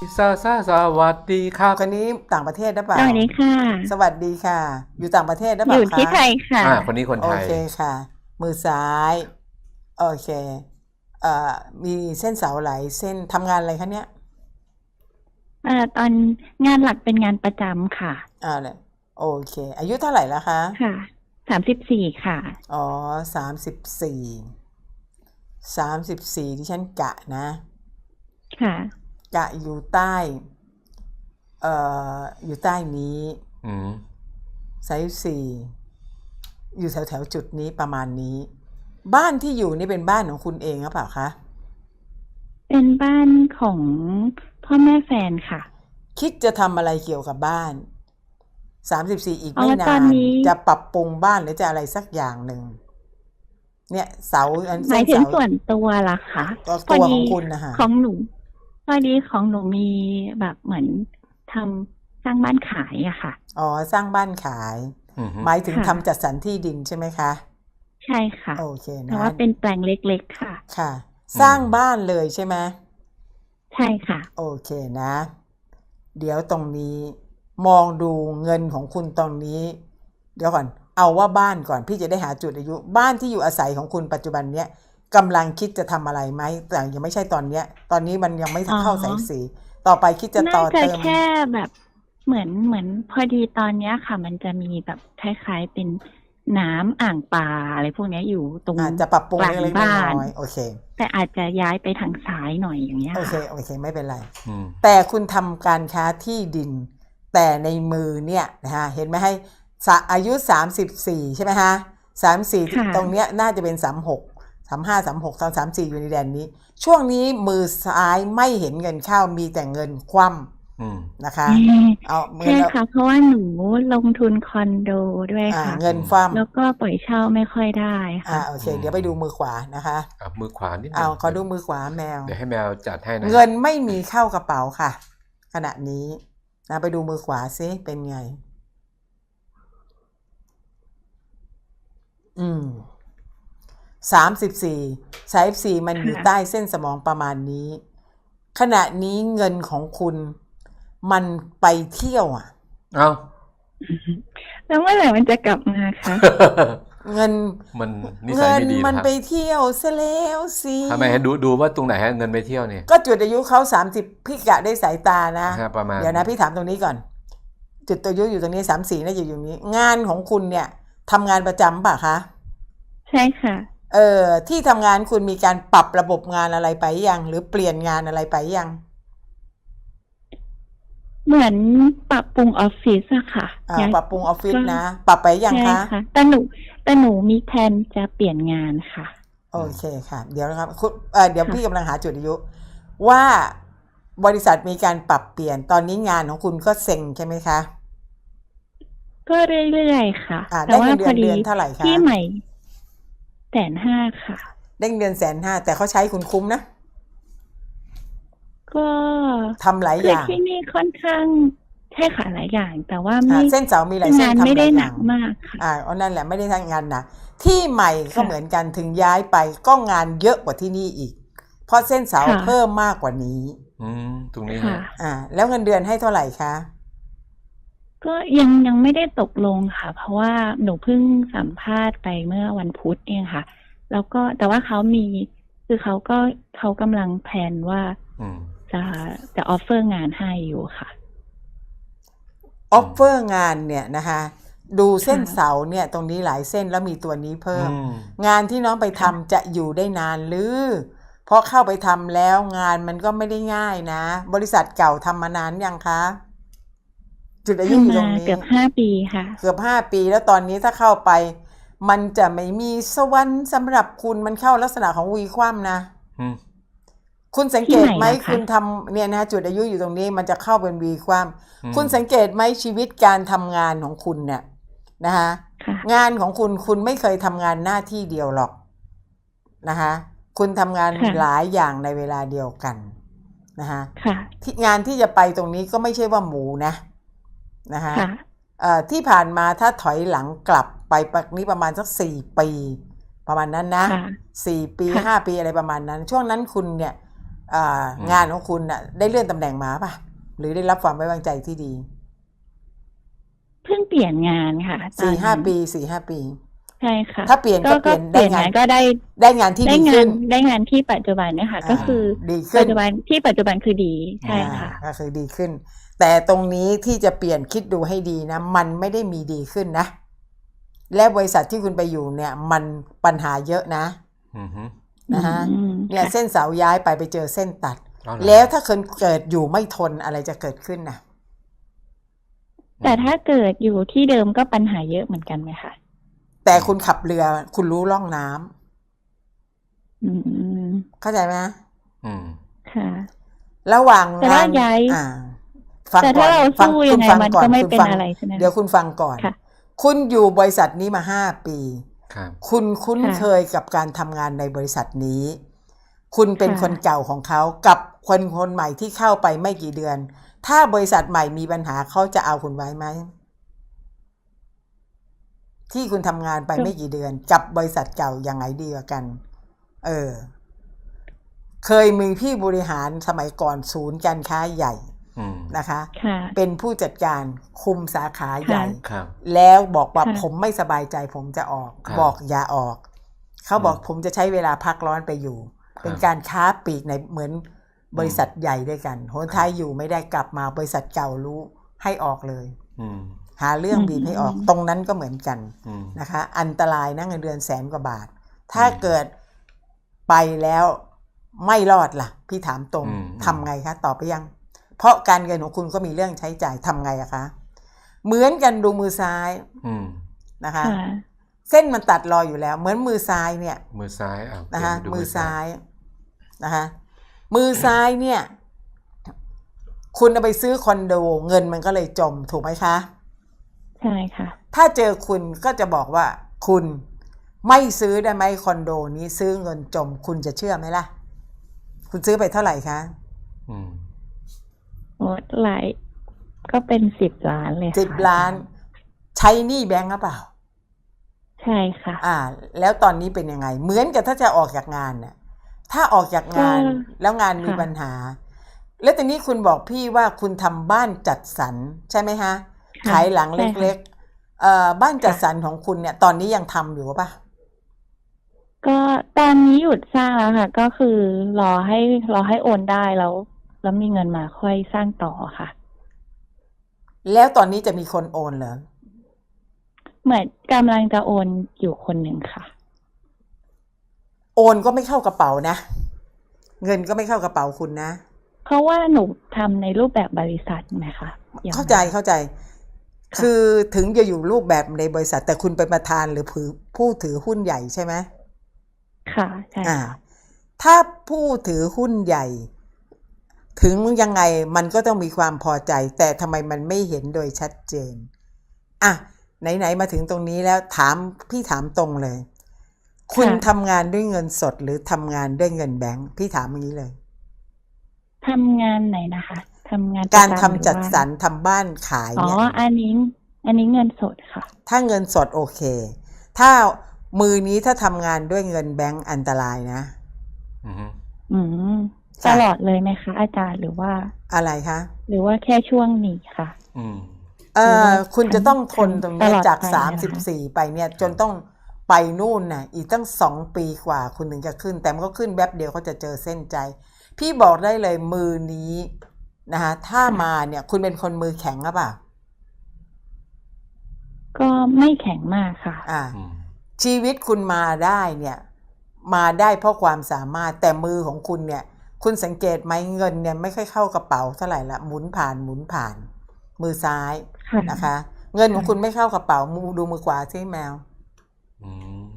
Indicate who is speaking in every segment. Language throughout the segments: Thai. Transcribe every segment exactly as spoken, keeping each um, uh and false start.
Speaker 1: ซาซาสวัสดีครับ
Speaker 2: คนนี้ต่างประเทศหรือเป
Speaker 3: ส
Speaker 2: ล่า
Speaker 3: วัสดีค่ะ
Speaker 2: สวัสดีค่ะ อยู่ต่างประเทศหรือเป
Speaker 3: อยู่
Speaker 2: ล่าคะ
Speaker 3: ที่ไทยค่ะ
Speaker 1: อ่าคนนี้คน
Speaker 2: โอ
Speaker 1: ไทย
Speaker 2: เคค่ะ มือซ้ายโอเคเอ่อมีเส้นเสาไหลเส้นทำงานอะไรคะเนี่ย
Speaker 3: เอ่อตอนงานหลักเป็นงานประจำค่ะ
Speaker 2: อ่าเลยโอเค อายุเท่าไหร่แล้วคะ
Speaker 3: ค่ะ สามสิบสี่ค่ะ
Speaker 2: อ๋อสามสิบสี่สามสิบสี่ที่ฉันกะนะ
Speaker 3: ค่ะ
Speaker 2: กะอยู่ใต้เอ่ออยู่ใต้นี้
Speaker 1: อืม
Speaker 2: ไซส์สี่อยู่แถวแถวจุดนี้ประมาณนี้ บ้านที่อยู่นี่เป็นบ้านของคุณเองหรือเปล่าคะ
Speaker 3: เป็นบ้านของพ่อแม่แฟนค่ะ
Speaker 2: คิดจะทำอะไรเกี่ยวกับบ้านสามสิบสี่อีก
Speaker 3: อ๋อ
Speaker 2: ไม่
Speaker 3: ตอน
Speaker 2: าน
Speaker 3: นี้
Speaker 2: จะปรับปรุงบ้านหรือจะอะไรสักอย่างหนึ่งเนี่ยเสาอัน
Speaker 3: ห
Speaker 2: เส้
Speaker 3: มาย
Speaker 2: น
Speaker 3: ถึง
Speaker 2: เสา
Speaker 3: ส่วนตัวล่ะคะ
Speaker 2: ตัว
Speaker 3: พอ
Speaker 2: ตัวข
Speaker 3: ดี
Speaker 2: องคุณนะคะ
Speaker 3: ของหนูพอดีของหนูมีแบบเหมือนทำสร้างบ้านขายอะค่ะ
Speaker 2: อ๋อสร้างบ้านขาย
Speaker 1: อืมฮึ
Speaker 2: หมายถึง
Speaker 3: ค่ะ
Speaker 2: ทำจัดสรรที่ดินใช่ไหมคะ
Speaker 3: ใช่ค่ะ
Speaker 2: โอเค
Speaker 3: แต่
Speaker 2: นะ
Speaker 3: ว่าเป็นแปลงเล็กๆค่ะ
Speaker 2: ค่ะ สร้างบ้านเลยใช่ไหม
Speaker 3: ใช่ค่ะ
Speaker 2: โอเคนะ เดี๋ยวตรงนี้มองดูเงินของคุณตรงนี้ เดี๋ยวก่อนเอาว่าบ้านก่อนพี่จะได้หาจุดอายุ บ้านที่อยู่อาศัยของคุณปัจจุบันเนี้ยกำลังคิดจะทำอะไรไหมแต่ยังไม่ใช่ตอนเนี้ย ตอนนี้มันยังไม่
Speaker 3: อ๋อ
Speaker 2: เข้าสายสีต่อไปคิดจะต่
Speaker 3: น่า
Speaker 2: อ
Speaker 3: จะ
Speaker 2: เติม
Speaker 3: แค่แบบเหมือนเหมือนพอดีตอนเนี้ยค่ะ มันจะมีแบบคล้ายๆเป็นน้ำอ่างปลาอะไรพวกเนี้ยอยู่ตรง
Speaker 2: อาจจะปรับปรุง
Speaker 3: กลาง
Speaker 2: เล็กๆ
Speaker 3: บ้า
Speaker 2: น้
Speaker 3: น
Speaker 2: อยๆโอเค
Speaker 3: แต่อาจจะย้ายไปทางซ้ายหน่อยอย่างเงี้ย
Speaker 2: โอเค
Speaker 3: ค่ะ
Speaker 2: โอเคไม่เป็นไร
Speaker 1: อืม
Speaker 2: แต่คุณทำการค้าที่ดิน แต่ในมือเนี่ยนะฮะเห็นไหมให้สะอายุสามสิบสี่ใช่ไหมฮะสามสี่
Speaker 3: ค่ะ
Speaker 2: ตรงเนี้ยน่าจะเป็นสามหกสามห้าสามหกสามสามสี่อยู่ในแดนนี้ ช่วงนี้มือซ้ายไม่เห็นเงินเข้ามีแต่เงินคว่
Speaker 1: อืม
Speaker 2: ำนะคะ
Speaker 3: เอ่อ
Speaker 2: เอาเงิ
Speaker 3: ใช่
Speaker 2: นเอา
Speaker 3: ค่ะ เพราะว่าหนูลงทุนคอนโดด้วย
Speaker 2: อ่า
Speaker 3: ค่ะ
Speaker 2: เงินคว่
Speaker 3: แล้วก็ปล่อยเช่าไม่ค่อยได้
Speaker 2: ำอ่า
Speaker 3: ค่ะ
Speaker 2: โอเค เดี๋ยวไปดูมือขวานะคะ
Speaker 1: อ่ะมือขวานิดนึ
Speaker 2: เอา
Speaker 1: ง
Speaker 2: ขอดูมือขวาแมว
Speaker 1: เดี๋ยวให้แมวจัดให้นะ
Speaker 2: เงินไม่มีเข้ากระเป๋าค่ะ ขณะนี้นะไปดูมือขวาซิเป็นไง อืมสามสิบสี่สายสี่มันอยู่
Speaker 3: ค่ะ
Speaker 2: ใต้เส้นสมองประมาณนี้ ขณะนี้เงินของคุณมันไปเที่ยวอ่ะ
Speaker 1: เอ้า
Speaker 3: แล้วเมื่อไหร่มันจะกลับมาคะ
Speaker 2: เงิน
Speaker 1: มันนิสั
Speaker 2: เงิ
Speaker 1: ย
Speaker 2: น
Speaker 1: ไม่ดี
Speaker 2: มัน
Speaker 1: นะครับ
Speaker 2: ไปเที่ยวซะแล้วสิ
Speaker 1: ทำไมให้ดูดูว่าตรงไหนฮะเงินไปเที่ยวเนี่ย
Speaker 2: ก็จุดอายุเขาสามสิบพี่กะได้สายตานะ
Speaker 1: ฮะประมาณ
Speaker 2: เดี๋ยวนะพี่ถามตรงนี้ก่อน จุดตัวอายุอยู่ตรงนี้สามสี่น่าจะอยู่นี้ งานของคุณเนี่ยทำงานประจำป่ะคะ
Speaker 3: ใช่ค่ะ
Speaker 2: เออที่ทำงานคุณมีการปรับระบบงานอะไรไปยังหรือเปลี่ยนงานอะไรไปยัง
Speaker 3: เหมือนปรับปรุงออฟฟิศอะค่ะ
Speaker 2: อ่า
Speaker 3: ย้าย
Speaker 2: ปรับปรุงออฟฟิศ
Speaker 3: ก็
Speaker 2: นะ ปรับไปยัง
Speaker 3: ใช่
Speaker 2: คะ
Speaker 3: ค่ะ แต่หนูแต่หนูมีแผนจะเปลี่ยนงานค่ะ
Speaker 2: โอเคค่ะ เดี๋ยวนะครับคุณเอ่อเดี๋ยว
Speaker 3: ค่ะ
Speaker 2: พี่กำลังหาจุดอายุ ว่าบริษัทมีการปรับเปลี่ยนตอนนี้งานของคุณก็เซ็งใช่ไหมคะ
Speaker 3: ก็เรื่อยๆค่ะ
Speaker 2: อ่า
Speaker 3: แต่
Speaker 2: ได้
Speaker 3: ว่า
Speaker 2: เงินเดื
Speaker 3: พ
Speaker 2: อ
Speaker 3: อน ดี
Speaker 2: เดือนเท่าไหร่คะ
Speaker 3: ที่ใหม่แสนห้าค่ะ
Speaker 2: ได้เงินเดือนแสนห้าแต่เขาใช้คุณคุ้มนะ
Speaker 3: ก็
Speaker 2: ทำหลาย
Speaker 3: คือ
Speaker 2: อย่าง
Speaker 3: ที่นี่ค่อนข้างใช่ค่ะหลายอย่าง แต่ว่า
Speaker 2: อ่า
Speaker 3: ไม่
Speaker 2: เส้นเสามีหลายเส้
Speaker 3: งาน น
Speaker 2: ทำ
Speaker 3: ไม่
Speaker 2: ห
Speaker 3: ได้
Speaker 2: ลายอ
Speaker 3: หนั
Speaker 2: ย่าก ง
Speaker 3: มากค่ะ
Speaker 2: อ่าเอานั่นแหละไม่ได้ทำงานหนะที่ใหม่ก็
Speaker 3: ค่ะ
Speaker 2: เหมือนกันถึงย้ายไปก็งานเยอะกว่าที่นี่อีก เพราะเส้นเสา
Speaker 3: ค่ะ
Speaker 2: เพิ่มมากกว่านี้
Speaker 1: อืมตรงนี้
Speaker 3: ค่ะ
Speaker 1: ฮะ
Speaker 2: อ่า แล้วเงินเดือนให้เท่าไหร่คะ
Speaker 3: ก็ยังยังไม่ได้ตกลงค่ะ เพราะว่าหนูเพิ่งสัมภาษณ์ไปเมื่อวันพุธเองค่ะ แล้วก็แต่ว่าเขามีคือเขาก็เขากำลังแพลนว่า
Speaker 1: อืม
Speaker 3: จะจะออฟเฟอร์งานให้อยู่ค่ะ
Speaker 2: ออฟเฟอร์งานเนี่ยนะคะดูเส้น
Speaker 3: ค่ะ
Speaker 2: เสาเนี่ยตรงนี้หลายเส้นแล้วมีตัวนี้เพิ่ม
Speaker 1: อืม
Speaker 2: งานที่น้องไปทำจะอยู่ได้นานหรือเพราะเข้าไปทำแล้วงานมันก็ไม่ได้ง่ายนะ บริษัทเก่าทำมานานยังคะ จุดอายุอยู่ตรง
Speaker 3: ทำมา
Speaker 2: นี้
Speaker 3: เกือบห้าปีค่ะ
Speaker 2: เกือบห้าปีแล้วตอนนี้ถ้าเข้าไป มันจะไม่มีสวรรค์สำหรับคุณมันเข้าลักษณะของวีคว่ำนะ
Speaker 1: อืม
Speaker 2: คุณสังเกตไหม
Speaker 3: ที่ไหนล่ะคะ
Speaker 2: คุณทำเนี่ยนะจุดอายุอยู่ตรงนี้มันจะเข้าเป็นวีคว่
Speaker 1: อืม
Speaker 2: ำคุณสังเกตไหมชีวิตการทำงานของคุณเนี่ยนะคะ
Speaker 3: ค่ะ
Speaker 2: งานของคุณคุณไม่เคยทำงานหน้าที่เดียวหรอกนะคะคุณทำงาน
Speaker 3: ค่ะ
Speaker 2: หลายอย่างในเวลาเดียวกันนะคะ
Speaker 3: ค่ะ
Speaker 2: ที่งานที่จะไปตรงนี้ก็ไม่ใช่ว่าหมูนะนะคะ
Speaker 3: ค่ะ
Speaker 2: เอ่อที่ผ่านมาถ้าถอยหลังกลับไปปักนี้ประมาณสักสี่ปี ประมาณนั้นนะ
Speaker 3: ค่ะ
Speaker 2: สี่ปี
Speaker 3: ค่ะ
Speaker 2: ห้าปีอะไรประมาณนั้น ช่วงนั้นคุณเนี่ยอ่า
Speaker 1: อืม
Speaker 2: งานของคุณน่ะ ได้เลื่อนตำแหน่งมาป่ะ หรือได้รับความไว้วางใจที่ดี
Speaker 3: เพิ่งเปลี่ยนงานค่ะตอน
Speaker 2: สี่ห้า
Speaker 3: นั้น
Speaker 2: ปีสี่ห้าปี
Speaker 3: ใช่ค่ะ
Speaker 2: ถ้าเปลี่ยนก็เปลี่ยน
Speaker 3: เปลี่ยน
Speaker 2: ได้งาน
Speaker 3: งานก็ได้
Speaker 2: ได้งานที่
Speaker 3: ได้
Speaker 2: ดี
Speaker 3: งา
Speaker 2: ขึ้
Speaker 3: น
Speaker 2: น
Speaker 3: ได้งานที่ปัจจุบันเนี่ยค่ะ
Speaker 2: อ่า
Speaker 3: ก็คือ
Speaker 2: ดีขึ้
Speaker 3: ปั
Speaker 2: น
Speaker 3: จจุบันที่ปัจจุบันคือดีใช่ค่ะ
Speaker 2: อ่าก็คือดีขึ้น แต่ตรงนี้ที่จะเปลี่ยนคิดดูให้ดีนะ มันไม่ได้มีดีขึ้นนะ และบริษัทที่คุณไปอยู่เนี่ย มันปัญหาเยอะนะ
Speaker 1: อือฮึ
Speaker 2: นะฮะ
Speaker 3: อืม
Speaker 2: เนี่ย
Speaker 3: ค่ะ
Speaker 2: เส้นเสาย้ายไปไปเจอเส้นตัด
Speaker 1: เอาเหรอ
Speaker 2: แล้วถ้าคนเกิดอยู่ไม่ทนอะไรจะเกิดขึ้นน่ะ
Speaker 3: แต่ถ้าเกิดอยู่ที่เดิมก็ปัญหาเยอะเหมือนกันไหมคะ
Speaker 2: แต่คุณขับเรือคุณรู้ร่องน้ำ
Speaker 3: อืม
Speaker 2: เข้าใจไหม
Speaker 1: อืม
Speaker 3: ค่ะ
Speaker 2: ระหว่าง
Speaker 3: แต่ถ้าง
Speaker 2: าน
Speaker 3: ย้าย
Speaker 2: อ่า ฟัง
Speaker 3: แต่
Speaker 2: ก่อ
Speaker 3: ถ้าน เรา
Speaker 2: ฟัง
Speaker 3: สู้
Speaker 2: คุ
Speaker 3: ยั
Speaker 2: ณ
Speaker 3: งไง
Speaker 2: ฟัง
Speaker 3: มัน
Speaker 2: ก่อน
Speaker 3: ก็ไม่
Speaker 2: คุณ
Speaker 3: เป็น
Speaker 2: ฟัง
Speaker 3: อะไรใช่ไหม
Speaker 2: เดี๋ยวคุณฟังก่อน
Speaker 3: ค่ะ
Speaker 2: คุณอยู่บริษัทนี้มาห้าปี
Speaker 1: ครับ
Speaker 2: คุณคุ้น
Speaker 3: ค่ะ
Speaker 2: เคยกับการทำงานในบริษัทนี้ คุณเป็น
Speaker 3: ค่ะ
Speaker 2: คนเก่าของเขากับคนคนใหม่ที่เข้าไปไม่กี่เดือน ถ้าบริษัทใหม่มีปัญหาเขาจะเอาคุณไว้ไหม ที่คุณทำงานไป
Speaker 3: ก็
Speaker 2: ไม่กี่เดือน กับบริษัทเก่ายังไงดีกว่ากัน เออ เคยมีพี่บริหารสมัยก่อนศูนย์การค้าใหญ่
Speaker 1: อืม
Speaker 2: นะคะ
Speaker 3: ค่ะ
Speaker 2: เป็นผู้จัดการคุมสาขาใหญ่
Speaker 1: ครับ
Speaker 2: แล้วบอกว่า
Speaker 3: ค่ะ
Speaker 2: ผมไม่สบายใจผมจะออก
Speaker 1: ครับ
Speaker 2: บอกอย่าออก เขาบอก
Speaker 1: อืม
Speaker 2: ผมจะใช้เวลาพักร้อนไปอยู่
Speaker 1: ครับ
Speaker 2: เป็นการค้าปลีกในเหมือนบริษัทใหญ่ด้วยกันหนท้ายอยู่ไม่ได้กลับมาบริษัทเก่ารู้ให้ออกเลย
Speaker 1: อืม
Speaker 2: หาเรื่อง
Speaker 3: อืม
Speaker 2: บีบให้ออก ตรงนั้นก็เหมือนกัน
Speaker 1: อืม
Speaker 2: นะคะ อันตรายนะเงินเดือนแสนกว่าบาท ถ้า
Speaker 1: อืม
Speaker 2: เกิดไปแล้วไม่รอดล่ะ พี่ถามตรง
Speaker 1: อืม
Speaker 2: ทำไงคะตอบไปยัง เพราะการเงินของคุณก็มีเรื่องใช้จ่ายทำไงอะคะ เหมือนกันดูมือซ้าย
Speaker 1: อืม
Speaker 2: นะคะ
Speaker 3: ค่ะ
Speaker 2: เส้นมันตัดรออยู่แล้ว เหมือนมือซ้ายเนี่ย
Speaker 1: มือซ้ายอ่ะ
Speaker 2: นะคะ
Speaker 1: เปลี่ยนไปดู
Speaker 2: มือซ้ายนะคะ มือซ้ายเนี่ย คุณเอาไปซื้อคอนโดเงินมันก็เลยจมถูกไหมคะ
Speaker 3: ใช่ค่ะ
Speaker 2: ถ้าเจอคุณก็จะบอกว่า คุณไม่ซื้อได้ไหมคอนโดนี้ซื้อเงินจม คุณจะเชื่อไหมล่ะ คุณซื้อไปเท่าไหร่คะ
Speaker 1: อืม
Speaker 3: โอ้หลายก็เป็นสิบล้านเลยค่ะ
Speaker 2: สิบล้าน ใช้หนี้แบงก์หรือเปล่า
Speaker 3: ใช่ค่ะ
Speaker 2: อ่า แล้วตอนนี้เป็นยังไง เหมือนกับถ้าจะออกจากงานน่ะ ถ้าออกจากงาน
Speaker 3: ก็
Speaker 2: แล้วงานมี
Speaker 3: ค่ะ
Speaker 2: ปัญหา แล้วตอนนี้คุณบอกพี่ว่าคุณทำบ้านจัดสรรใช่ไหมฮะ
Speaker 3: ค่ะ
Speaker 2: ขายหลัง
Speaker 3: ใช่
Speaker 2: เล็
Speaker 3: ค่ะ
Speaker 2: กๆเอ่อบ้านจัด
Speaker 3: ค่ะ
Speaker 2: สรรของคุณเนี่ย ตอนนี้ยังทำอยู่ป่ะ
Speaker 3: ก็ตอนนี้หยุดสร้างแล้วค่ะ ก็คือรอให้รอให้โอนได้แล้ว แล้วมีเงินมาค่อยสร้างต่อค่ะ
Speaker 2: แล้วตอนนี้จะมีคนโอนเหรอ
Speaker 3: เหมือนกำลังจะโอนอยู่คนหนึ่งค่ะ
Speaker 2: โอนก็ไม่เข้ากระเป๋านะ เงินก็ไม่เข้ากระเป๋าคุณนะ
Speaker 3: เพราะว่าหนูทำในรูปแบบบริษัทไหมคะยังไง
Speaker 2: เข้าใจเข้าใจ
Speaker 3: ค่ะ
Speaker 2: คือถึงจะอยู่รูปแบบในบริษัท แต่คุณเป็นประธานหรือผู้ผู้ถือหุ้นใหญ่ใช่ไหม
Speaker 3: ค่ะใช่
Speaker 2: อ่า
Speaker 3: ค่ะ
Speaker 2: ถ้าผู้ถือหุ้นใหญ่ ถึงยังไงมันก็ต้องมีความพอใจ แต่ทำไมมันไม่เห็นโดยชัดเจน อ่ะ ไหนๆมาถึงตรงนี้แล้วถามพี่ถามตรงเลย คุณ
Speaker 3: ค่ะ
Speaker 2: ทำงานด้วยเงินสดหรือทำงานด้วยเงินแบงค์พี่ถามอย่างนี้เลย
Speaker 3: ทำงานไหนนะคะทำงาน
Speaker 2: การ
Speaker 3: ประ
Speaker 2: ทำ
Speaker 3: จำหรือ
Speaker 2: จัด
Speaker 3: ว่า
Speaker 2: สรรทำบ้านขาย
Speaker 3: อ๋อ
Speaker 2: เนี่ย
Speaker 3: อันนี้ อันนี้เงินสดค่ะ
Speaker 2: ถ้าเงินสดโอเค ถ้ามือนี้ถ้าทำงานด้วยเงินแบงก์อันตรายนะ
Speaker 1: อืม
Speaker 3: อืม
Speaker 2: ค่ะ
Speaker 3: ตลอดเลยไหมคะ อาจารย์หรือว่า
Speaker 2: อะไรคะ
Speaker 3: หรือว่าแค่ช่วงนี้ค่ะ
Speaker 1: อืม
Speaker 2: เอ่
Speaker 3: หรือ
Speaker 2: อ
Speaker 3: ว่า
Speaker 2: คุณจะต้องทน
Speaker 3: ทั้ง
Speaker 2: ตรงเนี้ย
Speaker 3: ตลอด
Speaker 2: จาก
Speaker 3: ไป
Speaker 2: สาม
Speaker 3: นะคะ
Speaker 2: สิบสี่ไปเนี่ยจนต้องไปนู่นน่ะ อีกตั้งสองปีกว่าคุณถึงจะขึ้น แต่มันก็ขึ้นแป๊บเดียวเขาจะเจอเส้นใจ พี่บอกได้เลยมือนี้นะคะถ้ามาเนี่ย คุณเป็นคนมือแข็งหรือเปล่า
Speaker 3: ก็ไม่แข็งมากค่ะ
Speaker 2: อ่า
Speaker 1: อืม
Speaker 2: ชีวิตคุณมาได้เนี่ย มาได้เพราะความสามารถแต่มือของคุณเนี่ย คุณสังเกตไหมเงินเนี่ยไม่ค่อยเข้ากระเป๋าเท่าไหร่ละหมุนผ่านหมุนผ่าน มือซ้าย
Speaker 3: ค่ะ
Speaker 2: นะคะ เงินของคุณไม่เข้ากระเป๋ามือดูมือขวาใช่แมว
Speaker 1: อืม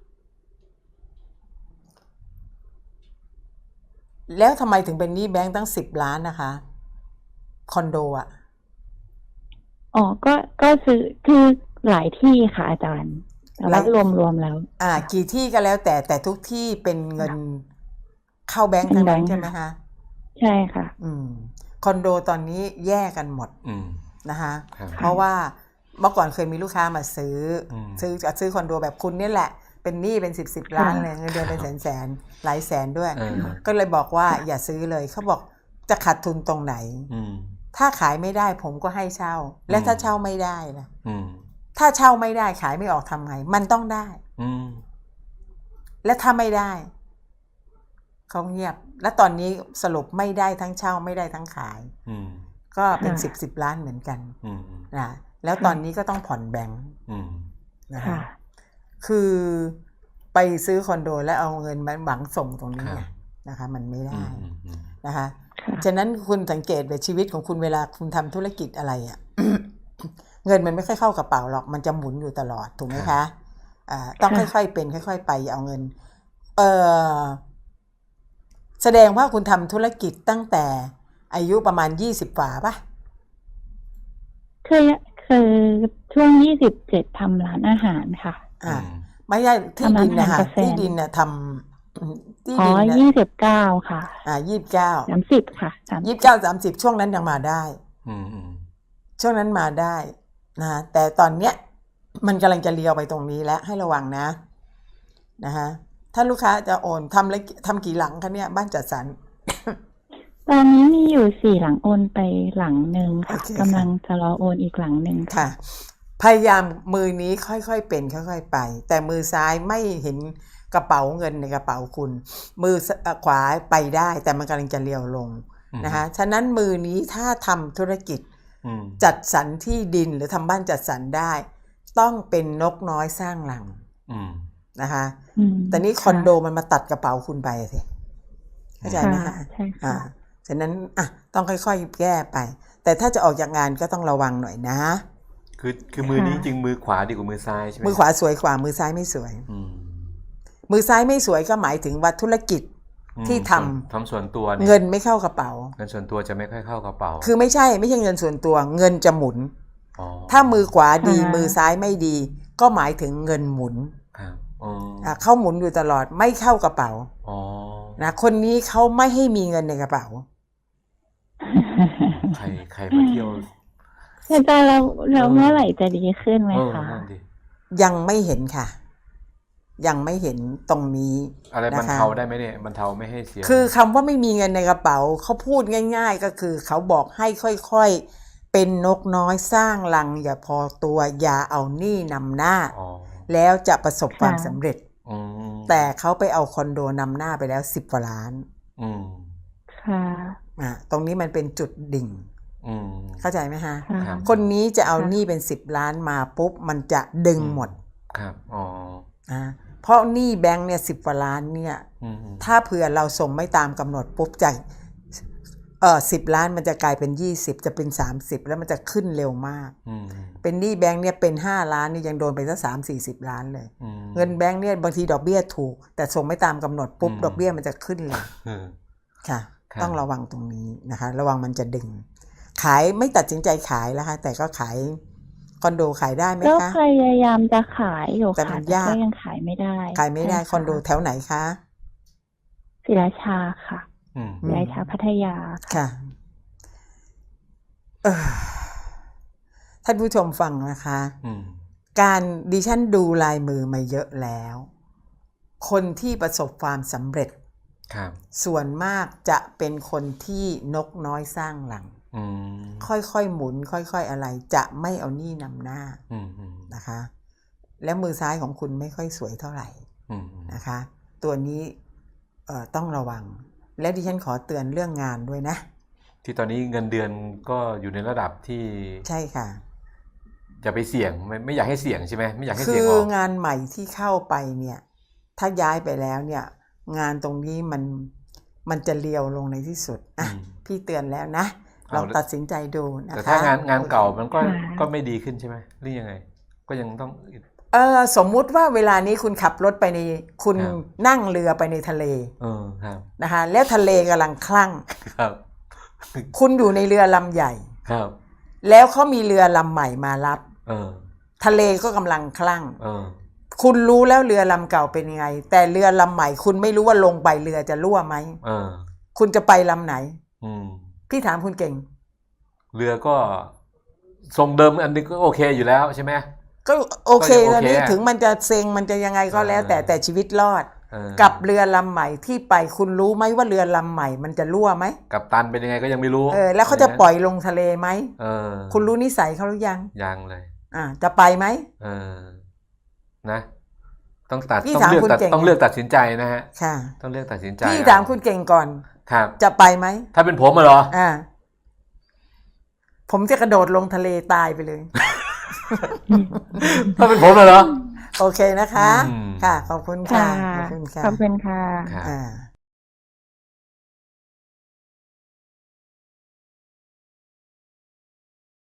Speaker 2: แล้วทำไมถึงเป็นหนี้แบงค์ตั้งสิบล้านนะคะ คอนโดอ่ะ
Speaker 3: อ๋อ ก็ ก็ซื้อ คือหลายที่ค่ะอาจารย์ แต่ว่ารวมรวมๆแล้ว
Speaker 2: อ่า กี่ที่ก็แล้วแต่แต่ทุกที่เป็นเงินเข้าแบงค์ทั้งนั้น
Speaker 3: เงินแบงค์
Speaker 2: ใช่ไหมคะ
Speaker 3: ใช่ค่ะ
Speaker 2: อืม คอนโดตอนนี้แยกกันหมด
Speaker 1: อืม
Speaker 2: นะคะ
Speaker 1: ครับ
Speaker 2: เพราะว่าเมื่อก่อนเคยมีลูกค้ามาซื้ออ
Speaker 1: ม
Speaker 2: ซื้อจะซื้อคอนโดแบบคุณนี่แหละ ไปเป็นหนี้เป็นสิบสิบล้านเลยเงินเดือนเป็นแสนแสนหลายแสนด้วย
Speaker 1: เออ
Speaker 2: ก็เลยบอกว่าอย่าซื้อเลยเขาบอกจะขาดทุนตรงไหน
Speaker 1: อืม
Speaker 2: ถ้าขายไม่ได้ผมก็ให้เช่า และถ้าเช่าไม่ได้ล่ะ
Speaker 1: อืม
Speaker 2: ถ้าเช่าไม่ได้ขายไม่ออกทำไงมันต้องได้
Speaker 1: อืม
Speaker 2: และถ้าไม่ได้เขาเงียบ และตอนนี้สรุปไม่ได้ทั้งเช่าไม่ได้ทั้งขาย
Speaker 1: อืม
Speaker 2: ก็เป็น
Speaker 3: ค่ะ
Speaker 2: สิบสิบล้านเหมือนกัน
Speaker 1: อืม
Speaker 2: นะแล้วตอนนี้ก็ต้องผ่อนแบงค์
Speaker 1: อืม
Speaker 2: นะ
Speaker 3: ค่ะ
Speaker 2: คะคือไปซื้อคอนโดแล้วเอาเงินมาหวังส่งตรงนี้
Speaker 1: ครับ
Speaker 2: นะคะ มันไม่
Speaker 1: อื
Speaker 2: ได้
Speaker 1: มอืมอืม
Speaker 2: นะคะ
Speaker 3: ค่ะ
Speaker 2: ฉะนั้นคุณสังเกตไปชีวิตของคุณเวลาคุณทำธุรกิจอะไรอะ่ ะ เงินมันไม่ค่อยเข้ากระเป๋าหรอกมันจะหมุนอยู่ตลอดถูกไหมคะอ่าต้องค่อยๆเป็นค่อยๆไปอย่าเอาเงิน เออแสดงว่าคุณทำธุรกิจตั้งแต่อายุประมาณยี่สิบกว่าปะ
Speaker 3: คือคือช่วงยี่สิบเจ็ดทำร้านอาหารค่ะ
Speaker 2: อ่า ไม่ใช่ที่ดินนะคะ
Speaker 3: ทำร้านอาหารกับแฟน
Speaker 2: ที่ดินน่ะทำที่
Speaker 3: อ๋อ
Speaker 2: ดินน่ะ
Speaker 3: ยี่สิบเก้าค่ะ
Speaker 2: อ่ายี่สิบเก้า
Speaker 3: สามสิบค่ะสาม
Speaker 2: ยี่สิบเก้าสามสิบช่วงนั้นยังมาได้
Speaker 1: อืมอืม
Speaker 2: ช่วงนั้นมาได้นะแต่ตอนเนี้ยมันกำลังจะเลี้ยวไปตรงนี้แล้วให้ระวังนะนะคะถ้าลูกค้าจะโอนทำแล้วทำกี่หลังคะเนี่ยบ้านจัดสรร
Speaker 3: ตอนนี้มีอยู่สี่หลังโอนไปหลังหนึ่งค่ะ
Speaker 2: โอเคค่ะ
Speaker 3: กำลังจะรอโอนอีกหลังหนึ่งค่ะ
Speaker 2: ค่ะ พยายามมือนี้ค่อยๆเป็นค่อยๆไป แต่มือซ้ายไม่เห็นกระเป๋าเงินในกระเป๋าคุณ มือขวาไปได้ แต่มันกำลังจะเลี้ยวลงนะคะฉะนั้นมือนี้ถ้าทำธุรกิจ
Speaker 1: อืม
Speaker 2: จัดสรรที่ดินหรือทำบ้านจัดสรรได้ ต้องเป็นนกน้อยสร้างหลัง
Speaker 1: อืม
Speaker 2: นะคะ
Speaker 3: อืม
Speaker 2: แต่นี่คอนโดมันมาตัดกระเป๋าคุณไปสิเข้าใจไหม
Speaker 3: ค่ะ
Speaker 2: คะ
Speaker 3: ใช่
Speaker 2: อ่า
Speaker 3: ค่ะ
Speaker 2: ฉะนั้นอ่ะต้องค่อยๆแก้ไป แต่ถ้าจะออกจากงานก็ต้องระวังหน่อยนะ
Speaker 1: คือคือมือนี้จริงมือขวาดีกว่ามือซ้ายใช่ไหม
Speaker 2: มือขวาสวยกว่ามือซ้ายไม่สวย
Speaker 1: อืม
Speaker 2: มือซ้ายไม่สวยก็หมายถึงว่าธุรกิจ
Speaker 1: อืม
Speaker 2: ที่ทำ
Speaker 1: ส่วนทำส่วนตัวเนี่ย
Speaker 2: เงินไม่เข้ากระเป๋า
Speaker 1: เงินส่วนตัวจะไม่ค่อยเข้ากระเป๋า
Speaker 2: คือไม่ใช่ไม่ใช่เงินส่วนตัว เงินจะหมุน
Speaker 1: อ๋อ
Speaker 2: ถ้ามือขวาดี
Speaker 3: ค่ะ
Speaker 2: มือซ้ายไม่ดี ก็หมายถึงเงินหมุน
Speaker 1: ครับอ๋อ
Speaker 2: อ่ะเข้าหมุนอยู่ตลอดไม่เข้ากระเป๋า
Speaker 1: อ๋อ
Speaker 2: นะคนนี้เขาไม่ให้มีเงินในกระเป๋า
Speaker 1: ใครใครมาเที่ยว
Speaker 3: อาจารย์เราเรา
Speaker 1: เออ
Speaker 3: เมื่อไหร่จะดีขึ้นไหม
Speaker 1: เออ
Speaker 3: คะ
Speaker 1: นั่นดิ
Speaker 2: ยังไม่เห็นค่ะ ยังไม่เห็นตรงนี้
Speaker 1: อะไรบรร
Speaker 2: นะคะ
Speaker 1: เทาได้ไหมเนี่ยบรรเทาไม่ให้เสีย
Speaker 2: คือคำว่าไม่มีเงินในกระเป๋าเขาพูดง่าย ๆ ก็คือเขาบอกให้ค่อยๆเป็นนกน้อยสร้างรัง อย่าพอตัวอย่าเอาหนี้นำหน้า
Speaker 1: อ๋อ
Speaker 2: แล้วจะประสบความ
Speaker 3: ค่ะ
Speaker 2: สำเร็จ
Speaker 1: อืม
Speaker 2: แต่เขาไปเอาคอนโดนำหน้าไปแล้วสิบกว่าล้าน
Speaker 1: อืม
Speaker 3: ค่ะ
Speaker 2: อ่ะตรงนี้มันเป็นจุดดิ่ง
Speaker 1: อืม
Speaker 2: เข้าใจไหมฮะ
Speaker 3: ค่ะ
Speaker 1: ครับ
Speaker 2: คนนี้จะเอา
Speaker 3: ค่ะ
Speaker 2: หนี้เป็นสิบล้านมาปุ๊บมันจะดึงหมด
Speaker 1: ครับอ๋อ
Speaker 2: นะเพราะหนี้แบงค์เนี่ยสิบกว่าล้านเนี่ย
Speaker 1: อืมอืม
Speaker 2: ถ้าเผื่อเราส่งไม่ตามกำหนดปุ๊บจากเออสิบล้านมันจะกลายเป็นยี่สิบจะเป็นสามสิบแล้วมันจะขึ้นเร็วมาก
Speaker 1: อืม
Speaker 2: เป็นหนี้แบงค์เนี่ยเป็นห้าล้านนี่ยังโดนไปสักสามสี่สิบล้านเลย
Speaker 1: อืม
Speaker 2: เงินแบงค์เนี่ยบางทีดอกเบี้ยถูก แต่ส่งไม่ตามกำหนดปุ๊บ
Speaker 1: อืม
Speaker 2: ดอกเบี้ยมันจะขึ้นเลย
Speaker 1: เออ
Speaker 2: ค่ะ
Speaker 1: ครับ
Speaker 2: ต้องระวังตรงนี้นะคะ ระวังมันจะดึง ขายไม่ตัดสินใจขายแล้วค่ะแต่ก็ขายคอนโดขายได้ไหม
Speaker 3: ก็
Speaker 2: คะ
Speaker 3: พยายามจะขายอยู่
Speaker 2: แต่มั
Speaker 3: ค่ะ
Speaker 2: น
Speaker 3: แต่
Speaker 2: ยาก
Speaker 3: ก็ยังขายไม่ได้
Speaker 2: ขายไม่ได้
Speaker 3: ใช่ะ
Speaker 2: คอนโดแถวไหนคะ
Speaker 3: ศรีราชาค่ะ
Speaker 1: อืม
Speaker 3: ศรีราชาพัทยาค่ะ
Speaker 2: ค่ะเอ่อท่านผู้ชมฟังนะคะ
Speaker 1: อืม
Speaker 2: การดิฉันดูลายมือมาเยอะแล้ว คนที่ประสบความสำเร็จ
Speaker 1: ครับ
Speaker 2: ส่วนมากจะเป็นคนที่นกน้อยสร้างหลัง
Speaker 1: อืม
Speaker 2: ค่อยๆหมุน ค่อยๆอะไร จะไม่เอาหนี้นำหน้า
Speaker 1: อืมอืม
Speaker 2: นะคะ แล้วมือซ้ายของคุณไม่ค่อยสวยเท่าไหร่
Speaker 1: อืมอืม
Speaker 2: นะคะ ตัวนี้เอ่อต้องระวัง และดิฉันขอเตือนเรื่องงานด้วยนะ
Speaker 1: ที่ตอนนี้เงินเดือนก็อยู่ในระดับที่
Speaker 2: ใช่ค่ะ
Speaker 1: อย่าไปเสี่ยงไม่ไม่อยากให้เสี่ยงใช่ไหมไม่อยากให้
Speaker 2: คื
Speaker 1: เสี่ยง
Speaker 2: อ
Speaker 1: ออก
Speaker 2: งานใหม่ที่เข้าไปเนี่ย ถ้าย้ายไปแล้วเนี่ย งานตรงนี้มันมันจะเลียวลงในที่สุดอ่ะ
Speaker 1: อืม
Speaker 2: พี่เตือนแล้วนะ
Speaker 1: เอา
Speaker 2: ลองตัดสินใจดูนะคะ
Speaker 1: แต่ถ้างานงานเก่ามันก็
Speaker 3: ค่ะ
Speaker 1: ก็ไม่ดีขึ้นใช่ไหมหรือยังไง ก็ยังต้อง
Speaker 2: เออสมมุติว่าเวลานี้คุณขับรถไปในคุณ
Speaker 1: ครับ
Speaker 2: นั่งเรือไปในทะเล
Speaker 1: เออครับ
Speaker 2: นะคะแล้วทะเลกำลังคลั่ง
Speaker 1: ครับ
Speaker 2: คุณอยู่ในเรือลำใหญ่
Speaker 1: ครับ
Speaker 2: แล้วเขามีเรือลำใหม่มารับ
Speaker 1: เออ
Speaker 2: ทะเลก็กำลังคลั่ง
Speaker 1: เออ
Speaker 2: คุณรู้แล้วเรือลำเก่าเป็นยังไง แต่เรือลำใหม่คุณไม่รู้ว่าลงไปเรือจะรั่วไหม
Speaker 1: เออ
Speaker 2: คุณจะไปลำไหน
Speaker 1: อืม
Speaker 2: พี่ถามคุณเก่ง
Speaker 1: เรือก็ทรงเดิมอันนี้ก็โอเคอยู่แล้วใช่ไหม
Speaker 2: ก็โอเค
Speaker 1: ก็ยังโอเค
Speaker 2: ตอนนี้
Speaker 1: อะ
Speaker 2: ถึงมันจะเซ็งมันจะยังไงก็แล้ว
Speaker 1: เออ
Speaker 2: แต่แต่ชีวิตรอด
Speaker 1: เออ
Speaker 2: กับเรือลำใหม่ที่ไปคุณรู้ไหมว่าเรือลำใหม่มันจะรั่วไหม
Speaker 1: กับตันเป็นยังไงก็ยังไม่รู้
Speaker 2: เออแล้วเขาจะปล่อยลงทะเลไหม
Speaker 1: เออ
Speaker 2: คุณรู้นิสัยเขาหรือยัง
Speaker 1: ยังเลย
Speaker 2: อ่าจะไปไหม
Speaker 1: เออนะ ต้องตัด
Speaker 2: พี่
Speaker 1: ต้อง
Speaker 2: ถาม
Speaker 1: เลือก
Speaker 2: คุณ
Speaker 1: ตัด
Speaker 2: เก่ง
Speaker 1: ต้องเลือกตัดสินใจนะฮะ
Speaker 2: ค่ะ
Speaker 1: ต้องเลือกตัดสินใจ
Speaker 2: พี่
Speaker 1: เอ
Speaker 2: ถามคุณเก่งก่อน
Speaker 1: ครับ
Speaker 2: จะไปไหม
Speaker 1: ถ้าเป็นผมอะเหรอ
Speaker 2: อ่า ผมจะกระโดดลงทะเลตายไปเลย
Speaker 1: ถ้าเป็นผมอะเหรอ
Speaker 2: โอเคนะคะ
Speaker 1: อืม
Speaker 2: ค่ะ ขอบคุณค่ะ
Speaker 3: ค่ะ
Speaker 2: ขอบคุณค่ะ
Speaker 3: ขอบคุณค่ะ
Speaker 1: ครับ
Speaker 2: อ่า